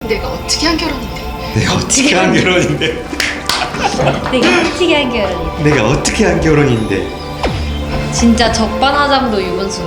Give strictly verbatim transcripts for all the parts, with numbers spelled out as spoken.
내가 어떻게 한 결혼인데? 내가 어떻게 한 결혼인데? 내가 어떻게 한 결혼이? 내가 어떻게 한 결혼인데? 진짜 적반하장도 유분수.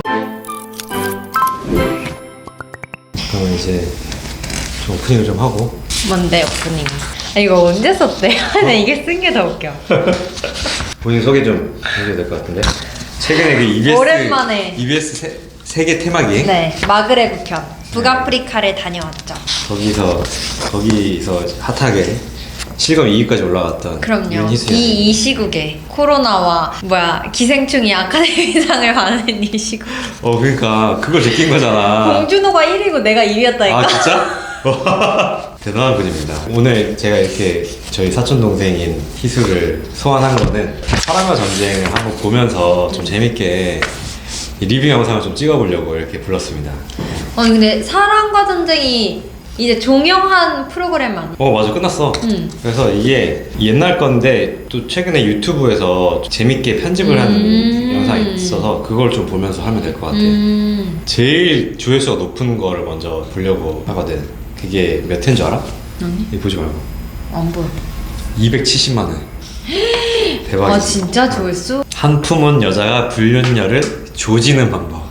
그러면 이제 좀 오프닝을 좀 하고. 뭔데 오프닝? 아, 이거 언제 썼대? 나 이게 쓴 게 더 웃겨. 본인 소개 좀 해줘야 될 것 같은데. 최근에 그 이비에스 오랜만에. 이비에스 세, 세계 테마기. 네, 마그레브 편 북아프리카를 다녀왔죠. 거기서 거기서 핫하게 실검 이 위까지 올라갔던 그럼요. 윤희수 이, 이 시국에 코로나와 뭐야 기생충이 아카데미상을 받는 이 시국. 어 그러니까 그걸 느낀 거잖아. 봉준호가 일 위고 내가 이 위였다니까. 아 진짜? 대단한 분입니다. 오늘 제가 이렇게 저희 사촌 동생인 희수를 소환한 거는 사랑과 전쟁을 한번 보면서 좀 재밌게 이 리뷰 영상을 좀 찍어보려고 이렇게 불렀습니다. 아니 근데 사랑과 전쟁이 이제 종영한 프로그램 아니야? 어 맞아 끝났어. 응. 그래서 이게 옛날 건데 또 최근에 유튜브에서 재밌게 편집을 한 음. 영상이 있어서 그걸 좀 보면서 하면 될 것 같아. 음. 제일 조회수가 높은 거를 먼저 보려고 하거든. 그게 몇 회인 줄 알아? 아니? 이거 보지 말고 안 보여. 이백칠십만 회. 대박이지. 아 진짜 조회수? 한 품은 여자가 불륜녀를 조지는 방법.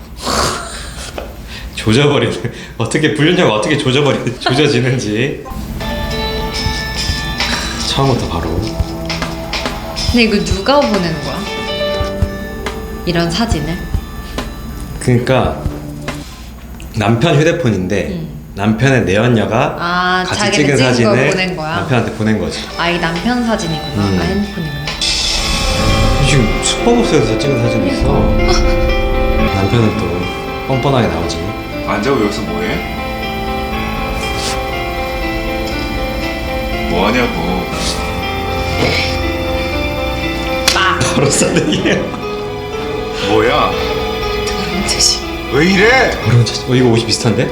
조져버리는 어떻게 불륜녀가 어떻게 조져버리 조져지는지 처음부터 바로. 근데 이거 누가 보내는 거야? 이런 사진을? 그러니까 남편 휴대폰인데 음. 남편의 내연녀가 아, 같이 자기는 찍은 찍은 걸 사진을 보낸 거야? 남편한테 보낸 거지. 아 이 남편 사진이구나. 음. 아 핸드폰이구나. 지금 슈퍼복스에서 찍은 사진이 있어. 남편은 또 뻔뻔하게 나오지. 안 자고 여기서 뭐해? 뭐하냐고. 바로 싸대기야. 뭐야? 더러운 자식. 왜 이래? 바로 자- 어 이거 옷이 비슷한데?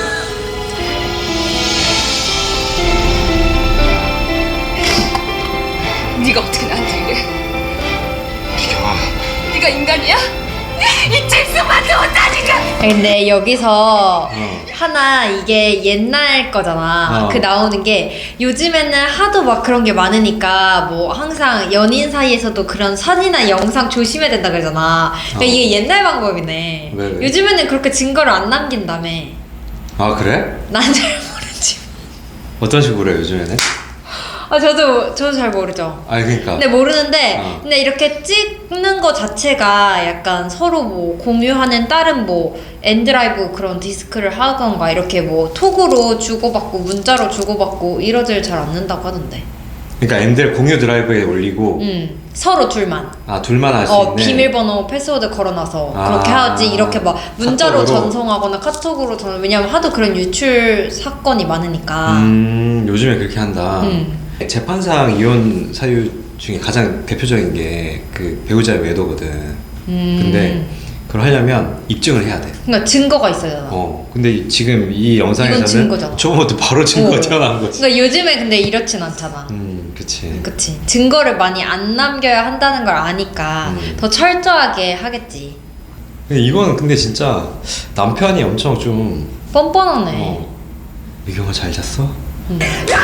네가 어떻게 나한테 이래? 비경아. 네가 인간이야? 이 책수만도 못하니까. 근데 여기서 어. 하나 이게 옛날 거잖아. 어. 그 나오는 게 요즘에는 하도 막 그런 게 많으니까 뭐 항상 연인 사이에서도 그런 사진이나 영상 조심해야 된다 그러잖아. 그러니까 어. 이게 옛날 방법이네. 왜, 왜? 요즘에는 그렇게 증거를 안 남긴다며. 아 그래? 난 잘 모르지. 어떤 식으로 해 요즘에는? 아 저도 저도 잘 모르죠. 아 그러니까. 근데 모르는데 어. 근데 이렇게 찍는 거 자체가 약간 서로 뭐 공유하는 다른 뭐 엔드라이브 그런 디스크를 하던가 이렇게 뭐 톡으로 주고받고 문자로 주고받고 이러질 잘 않는다고 하던데. 그러니까 엠들 공유 드라이브에 올리고 음 서로 둘만. 아 둘만 할 수 어 있는. 비밀번호 패스워드 걸어놔서 아. 그렇게 하지. 이렇게 막 문자로 카톡으로? 전송하거나 카톡으로 전 왜냐면 하도 그런 유출 사건이 많으니까. 음 요즘에 그렇게 한다. 음. 재판상 이혼 사유 중에 가장 대표적인 게 그 배우자의 외도거든. 음. 근데 그걸 하려면 입증을 해야 돼. 그러니까 증거가 있어야 되잖아. 어. 근데 지금 이 이건 영상에서는 증거잖아. 저번부터 바로 증거가 어. 튀어나온 거지. 그러니까 요즘에 근데 이렇진 않잖아. 음, 그치. 그치. 증거를 많이 안 남겨야 한다는 걸 아니까 음. 더 철저하게 하겠지. 근데 이건 근데 진짜 남편이 엄청 좀 뻔뻔하네. 어. 미경아 잘 잤어? 음.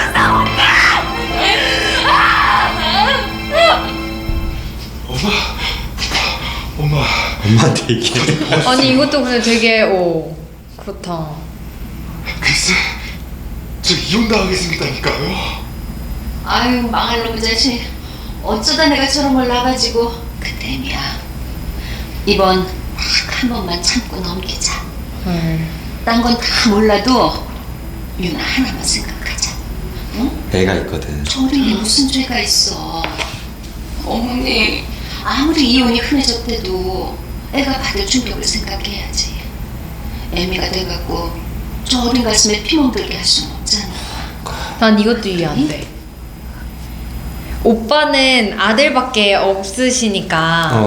엄마. 엄마한테 얘기해. 아니 이것도 근데 되게 오 그렇다. 글쎄, 저 이혼 당하게 생겼다니까요. 아유 망할 놈의 자식. 어쩌다 내가 저런 걸 나가지고 그땜이야. 이번 딱 한 번만 참고 넘기자. 헐. 딴 건 다 몰라도 유나 하나만 생각하자. 응? 애가 있거든. 저린이 무슨 죄가 있어. 어머니 아무리 이혼이 흔해졌대도 애가 받을 충격을 생각해야지. 애미가 돼갖고 저 어린 가슴에 피 멍들게 할 수는 없잖아. 난 이것도 이해 안 돼. 오빠는 아들밖에 없으시니까 어. 부모님이.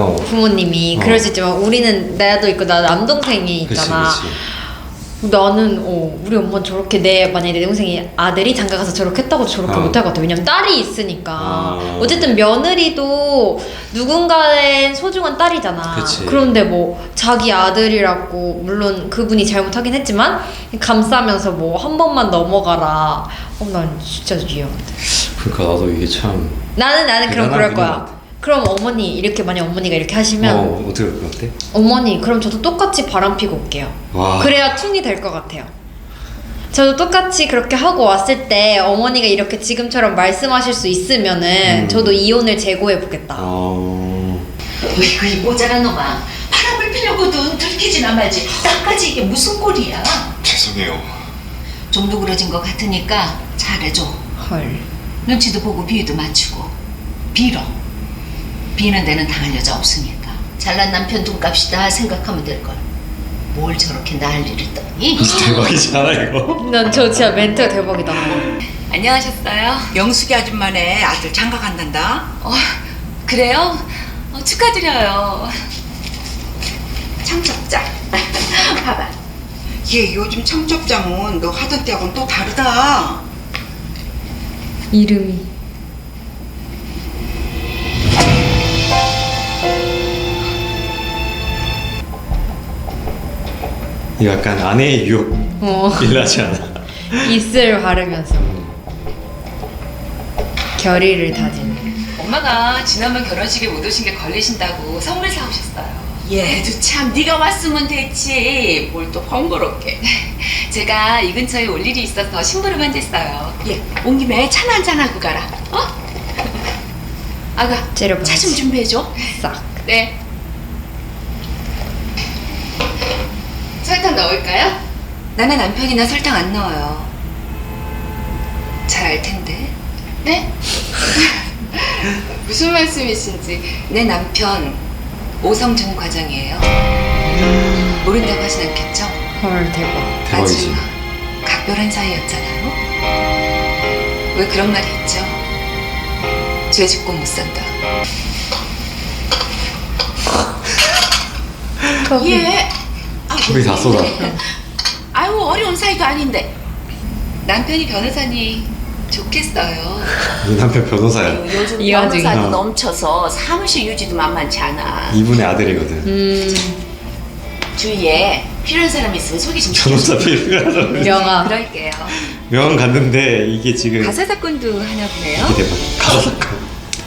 부모님이 어. 그럴 수 있지만 우리는 나도 있고 나 남동생이 있잖아. 그치, 그치. 그러면 나는 어 우리 엄마는 저렇게 내 만약에 내 동생이 아들이 장가 가서 저렇게 했다고 저렇게 어. 못할 것 같아. 왜냐면 딸이 있으니까. 아. 어쨌든 며느리도 누군가의 소중한 딸이잖아. 그치. 그런데 뭐 자기 아들이라고 물론 그분이 잘못하긴 했지만 감싸면서 뭐 한 번만 넘어가라. 어, 난 진짜 이해한데. 그러니까 나도 이게 참. 나는 나는 그럼 대단한 그럴 분인 거야. 것 같아. 그럼 어머니 이렇게 만약 어머니가 이렇게 하시면 어 어떻게 그럴 것 같아? 어머니 그럼 저도 똑같이 바람 피고 올게요. 와. 그래야 퉁이 될 것 같아요. 저도 똑같이 그렇게 하고 왔을 때 어머니가 이렇게 지금처럼 말씀하실 수 있으면은 음. 저도 이혼을 제고해 보겠다. 어. 어이구 이 모자란 놈아. 바람을 피려고든 들키지나 말지. 나까지 이게 무슨 꼴이야. 죄송해요. 좀 누그러진 것 같으니까 잘해줘. 헐. 눈치도 보고 비위도 맞추고 빌어. 비는 데는 당할 여자 없으니까. 잘난 남편 돈값이다 생각하면 될걸. 뭘 저렇게 난리를 떠니? 대박이지 않아 이거? 난 저 진짜 멘트가 대박이다. 안녕하셨어요? 영숙이 아줌마네 아들 장가 간단다. 어, 그래요? 어, 축하드려요. 청첩장. 봐봐. 얘 요즘 청첩장은 너 하던 때하고는 또 다르다. 이름이. 이거 약간 아내의 유혹 어. 일나지 않아? 입술 바르면서 결의를 다지는. 엄마가 지난번 결혼식에 못 오신 게 걸리신다고 선물 사오셨어요. 얘도 참 네가 왔으면 됐지. 뭘 또 번거롭게. 제가 이 근처에 올 일이 있어서 심부름한 데 있어요. 얘온 김에 차나 한잔 하고 가라. 어? 아가, 째려봐야지. 차 좀 준비해줘. 싹. 네. 설탕 넣을까요? 나는 남편이나 설탕 안 넣어요. 잘 알 텐데. 네? 무슨 말씀이신지. 내 남편 오성준 과장이에요. 모른다고 하진 않겠죠? 헐 대박. 대박이지. 아주 각별한 사이였잖아요. 왜 그런 말 했죠? 죄 짓고 못 산다. 예. 우리 다 쏟아. 아유 어려운 사이도 아닌데. 남편이 변호사니 좋겠어요. 이 남편 변호사야. 요즘 이 와중에. 변호사도 어. 넘쳐서 사무실 유지도 만만치 않아. 이분의 아들이거든. 음. 주위에 필요한 사람 있으면 소개 좀 변호사 필요하죠. 명아. 그럴게요. 명함 갔는데 이게 지금 가사 사건도 하나 보네요. 이게 대박. 가사 사건.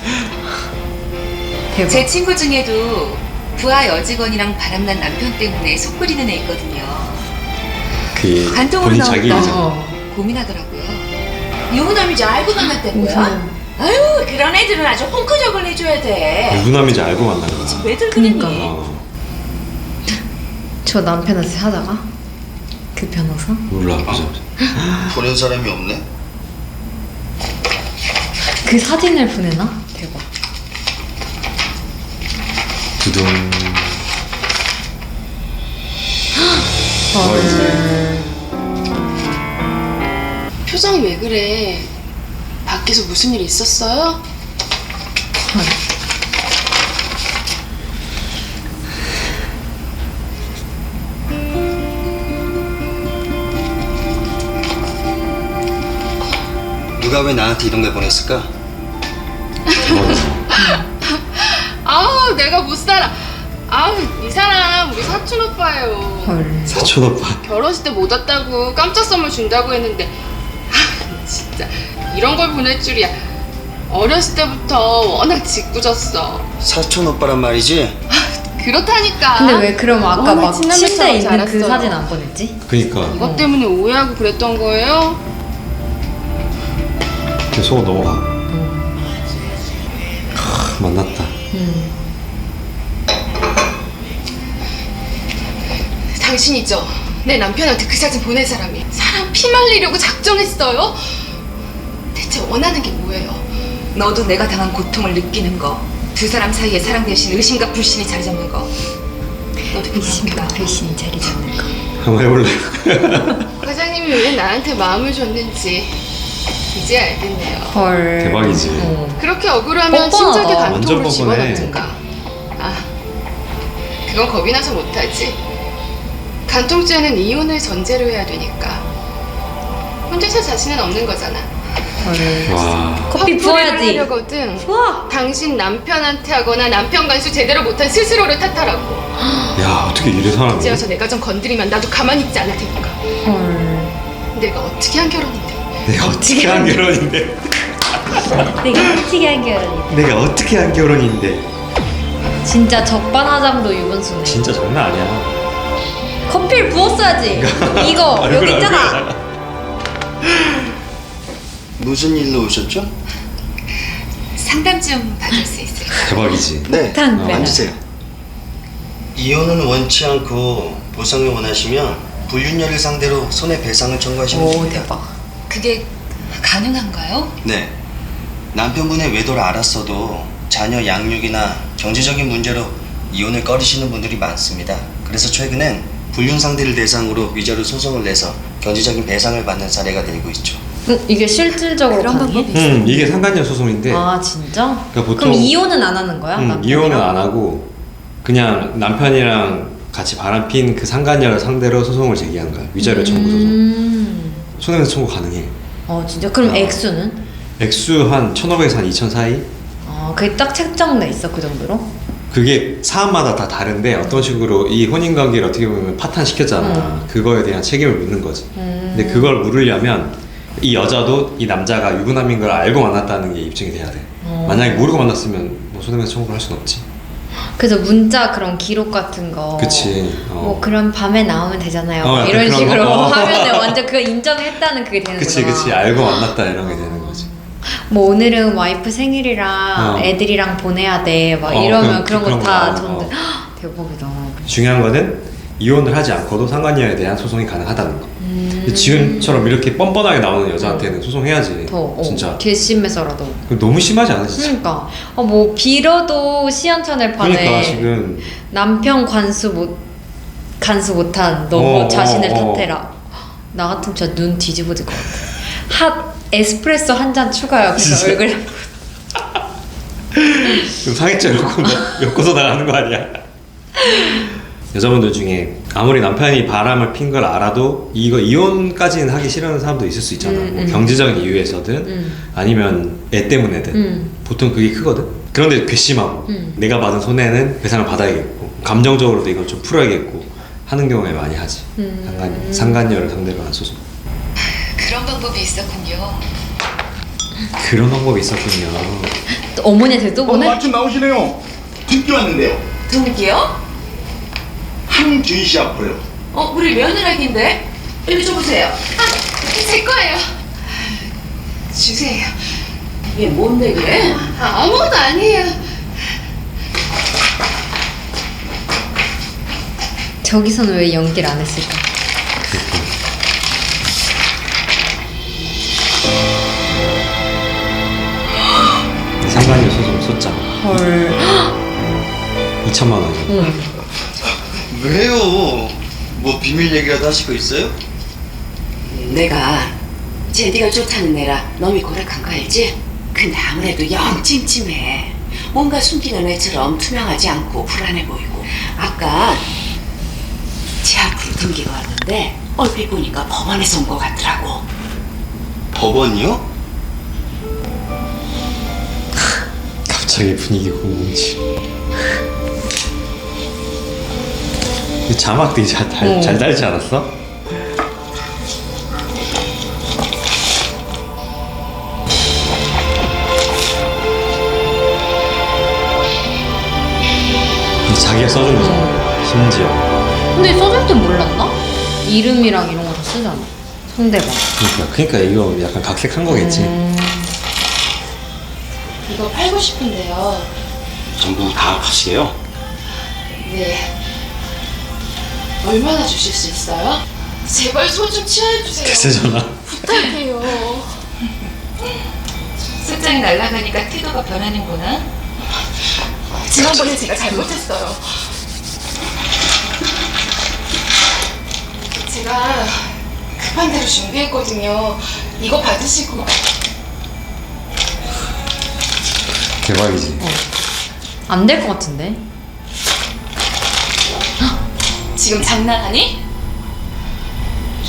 대박. 제 친구 중에도 부하 여직원이랑 바람난 남편 때문에 속 끓이는 애 있거든요. 그 간통으로 본인 자기 나왔다. 일이잖아. 어. 고민하더라고요. 유부남이지 알고 만났다고요? 우선. 아유 그런 애들은 아주 헝클적을 해줘야 돼. 유부남인지 알고 만난 거야. 왜들 그니까. 그러니? 어, 저 남편한테 하다가 그 변호사? 몰라 보자. 보낸 사람이 없네. 그 사진을 보내나? 대박. 두둥. 헐. 표정이 왜 그래? 밖에서 무슨 일 있었어요? 헐. 누가 왜 나한테 이런 걸 보냈을까? 대박이지. 아우 내가 못 살아. 아우 이 사람 우리 사촌 오빠예요. 헐. 사촌 오빠. 결혼식 때 못 왔다고 깜짝 선물 준다고 했는데 아 진짜 이런 걸 보낼 줄이야. 어렸을 때부터 워낙 짓궂었어. 사촌 오빠란 말이지? 그렇다니까. 근데 왜 그럼 아까 워낙 막 친남매처럼 침대에 있는 그 자랐어요. 사진 안 보냈지? 그니까. 이것 때문에 오해하고 그랬던 거예요? 그 속으로 넘어가. 하, 만났다. 음. 당신이죠. 내 남편한테 그 사진 보낸 사람이. 사람 피 말리려고 작정했어요? 대체 원하는 게 뭐예요? 너도 내가 당한 고통을 느끼는 거. 두 사람 사이에 사랑 대신 의심과 불신이 자리 잡는 거. 너도 의심과 그렇구나. 불신이 자리 잡는 거. 한번 해볼래? 과장님이 왜 나한테 마음을 줬는지 이제 알겠네요. 헐. 대박이지. 어. 그렇게 억울하면 뻔뻔하다. 심장에 완전 간통으로 뻔뻔해. 집어넣든가. 아, 그건 겁이 나서 못하지. 간통죄는 이혼을 전제로 해야 되니까 혼자서 자신은 없는 거잖아. 와. 커피 화풀이를 부어야지. 하려거든. 부어. 당신 남편한테 하거나 남편 간수 제대로 못한 스스로를 탓하라고. 야 어떻게 이래 사람이? 이제 와서 내가 좀 건드리면 나도 가만히 있지 않을 테니까. 헐. 내가 어떻게 한 결혼인데. 내가 어떻게 한 결혼인데? 내가 어떻게 한 결혼이? 내가 어떻게 한 결혼인데? 진짜 적반하장도 유분수네. 진짜 장난 아니야. 커피를 부었어야지. 이거 얼굴, 여기 있잖아. 얼굴. 무슨 일로 오셨죠? 상담 좀 받을 수 있을까요? 대박이지. 네. 폭탄 어, 배달. 앉으세요. 이혼은 원치 않고 보상을 원하시면 불륜녀를 상대로 손해배상을 청구하시면 오 됩니다. 대박. 그게 가능한가요? 네. 남편분의 외도를 알았어도 자녀 양육이나 경제적인 문제로 이혼을 꺼리시는 분들이 많습니다. 그래서 최근엔 불륜 상대를 대상으로 위자료 소송을 내서 경제적인 배상을 받는 사례가 늘고 있죠. 응, 이게 실질적으로 그런 가능해? 방법이 음 이게 상간녀 소송인데. 아 진짜? 그러니까 보통 그럼 이혼은 안 하는 거야? 음, 남편이랑? 이혼은 안 하고 그냥 남편이랑 같이 바람핀 그 상간녀를 상대로 소송을 제기한 거야. 위자료 청구 소송. 음. 손해배상 청구 가능해. 어 진짜? 그럼 어. 액수는? 액수 한 천오백에서 한 이천 사이? 어 그게 딱 책정돼 있어 그 정도로? 그게 사안마다 다 다른데 어떤 식으로 이 혼인관계를 어떻게 보면 파탄시켰잖아. 음. 그거에 대한 책임을 묻는 거지. 음. 근데 그걸 물으려면 이 여자도 이 남자가 유부남인 걸 알고 만났다는 게 입증이 돼야 돼. 어. 만약에 모르고 만났으면 뭐 손해배상 청구를 할 수는 없지. 그래서 문자 그런 기록 같은 거 그치. 어. 뭐 그럼 밤에 나오면 되잖아요 어, 약간 이런 그런 식으로 거? 어. 하면은 완전 그거 인정했다는 그게 되는 그치 거잖아. 그치 알고 만났다 이런 게 되는 거지. 뭐 오늘은 와이프 생일이랑 어. 애들이랑 보내야 돼 막 어, 이러면 그런- 그런 그런 거 다 거 전부 나오고. 대박이다. 중요한 거는 이혼을 하지 않고도 상간녀에 대한 소송이 가능하다는 거. 음. 근데 지금처럼 이렇게 뻔뻔하게 나오는 여자한테는 소송해야지. 더 어, 진짜. 괘씸해서라도. 그거 너무 심하지 않아 진짜? 그러니까 어, 뭐 빌어도 시원찮을 판에 그러니까 지금 남편 관수 못 간수 못한 너 어, 자신을 어, 어. 탓해라. 나 같으면 진짜 눈 뒤집어질 것 같아. 핫 에스프레소 한 잔 추가요. 그래서 진짜? 얼굴 좀 사기죄 놓고 엮어서 나가는 거 아니야? 여자분들 중에 아무리 남편이 바람을 핀 걸 알아도 이거 이혼까지는 하기 싫어하는 사람도 있을 수 있잖아. 음, 뭐 음. 경제적인 이유에서든 음. 아니면 애 때문에든 음. 보통 그게 크거든. 그런데 괘씸하고 음. 내가 받은 손해는 배상을 받아야겠고 감정적으로도 이걸 좀 풀어야겠고 하는 경우에 많이 하지. 음. 상간, 상간녀를 상대로 한 소송. 그런 방법이 있었군요. 그런 방법이 있었군요. 또 어머니한테 또 어, 보내? 마침 나오시네요. 듣기 왔는데요. 누구요? 한준 씨 앞으로요. 어, 우리 며느라기인데? 여기 줘보세요. 아, 제 거예요. 주세요. 얘 뭔데 그래? 아, 아무것도 아니에요. 저기서는 왜 연기를 안 했을까? 상간녀 소송 소장 헐. 이천만 원. 응. 왜요? 뭐 비밀 얘기라도 하시고 있어요? 내가 제디가 좋다는 애라 놈이 고락한 거 알지? 근데 아무래도 영 찜찜해. 뭔가 숨기는 애처럼 투명하지 않고 불안해 보이고. 아까 제 앞으로 등기가 왔는데 얼핏 보니까 법원에서 온 거 같더라고. 법원이요? 갑자기 분위기 공공지. 자막 되게 잘, 달, 어. 잘 달지 않았어? 근데 자기가 써준 거잖아. 심지어. 근데 써줄 땐 몰랐나? 이름이랑 이런 거 다 쓰잖아. 상대방. 그러니까, 그러니까 이거 약간 각색한 거겠지. 음. 이거 팔고 싶은데요. 전부 다 값이에요? 네. 얼마나 주실 수 있어요? 제발 손 좀 취해주세요. 대세잖아. 부탁해요. 술장이 날아가니까 태도가 변하는구나. 지난번에 제가 잘못했어요. 제가 급한 대로 준비했거든요. 이거 받으시고. 대박이지. 안 될 것 같은데? 지금 장난하니?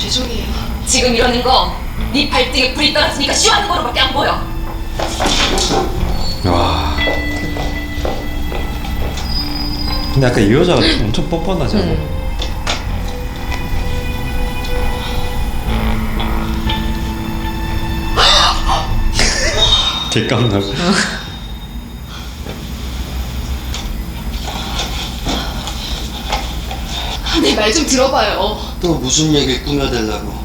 죄송해요. 지금 이러는 거 네 발등에 불이 떨어지니까 쉬워하는 거로밖에 안 보여. 와. 근데 아까 이 여자가 엄청 뻔뻔하지 않아? 응. 개깜나고. 내 말 좀 들어봐요. 또 무슨 얘기를 꾸며대려고.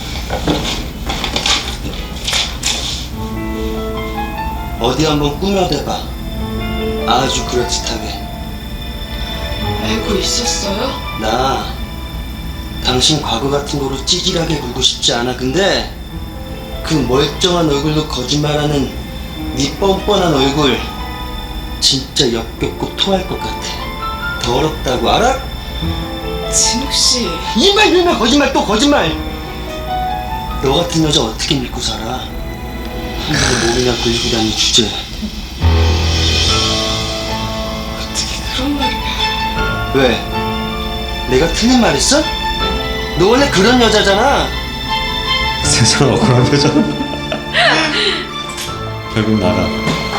어디 한번 꾸며대봐. 아주 그럴듯하게. 알고 있었어요? 나 당신 과거 같은 거로 찌질하게 굴고 싶지 않아. 근데 그 멀쩡한 얼굴로 거짓말하는 네 뻔뻔한 얼굴 진짜 역겹고 토할 것 같아. 더럽다고 알아? 진욱 씨. 이말 이말 거짓말 또 거짓말. 너 같은 여자 어떻게 믿고 살아? 한번에 몸이나 굴리고 다니는 주제. 어떻게 그런 말을. 왜? 내가 틀린 말 했어? 너 원래 그런 여자잖아. 세상 억울한 표정. 결국 나가.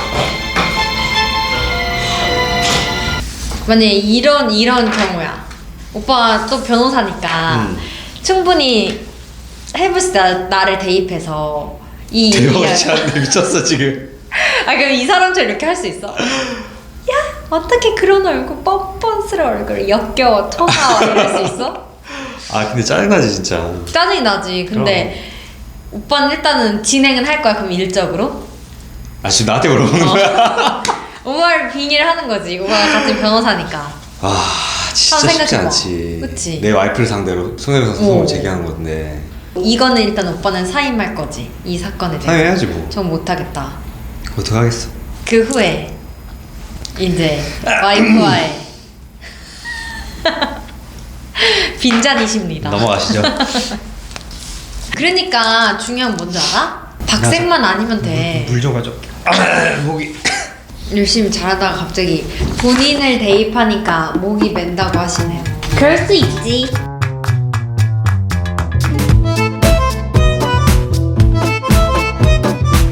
만약에 이런 이런 경우야. 오빠 또 변호사니까 음. 충분히 해볼 수 있다. 나를 대입해서 이 대박이지 않네. 미쳤어 지금. 아 그럼 이 사람처럼 이렇게 할 수 있어? 야 어떻게 그런 얼굴 뻔뻔스러운 얼굴 역겨워 터나와 이럴 수 있어? 아 근데 짜증나지 진짜. 짜증이 나지. 근데 오빠는 일단은 진행은 할 거야. 그럼 일적으로 아 지금 나한테 물어보는 어. 거야? 오빠를 빙의를 하는 거지. 오빠가 같은 변호사니까. 아 진짜 한번 쉽지 생각해봐. 않지. 그치? 내 와이프를 상대로 손해배상 소송을 오. 제기하는 건데. 이거는 일단 오빠는 사임할 거지. 이 사건에 대해서. 사임해야지 뭐. 전 못하겠다. 어떡하겠어. 그 후에 이제 와이프와의 빈잔이십니다. 넘어가시죠. 그러니까 중요한 건 뭔지 알아? 박색만 아니면 돼. 물 좀 가져. 아, 목이. 열심히 잘하다가 갑자기 본인을 대입하니까 목이 맨다고 하시네요. 그럴 수 있지.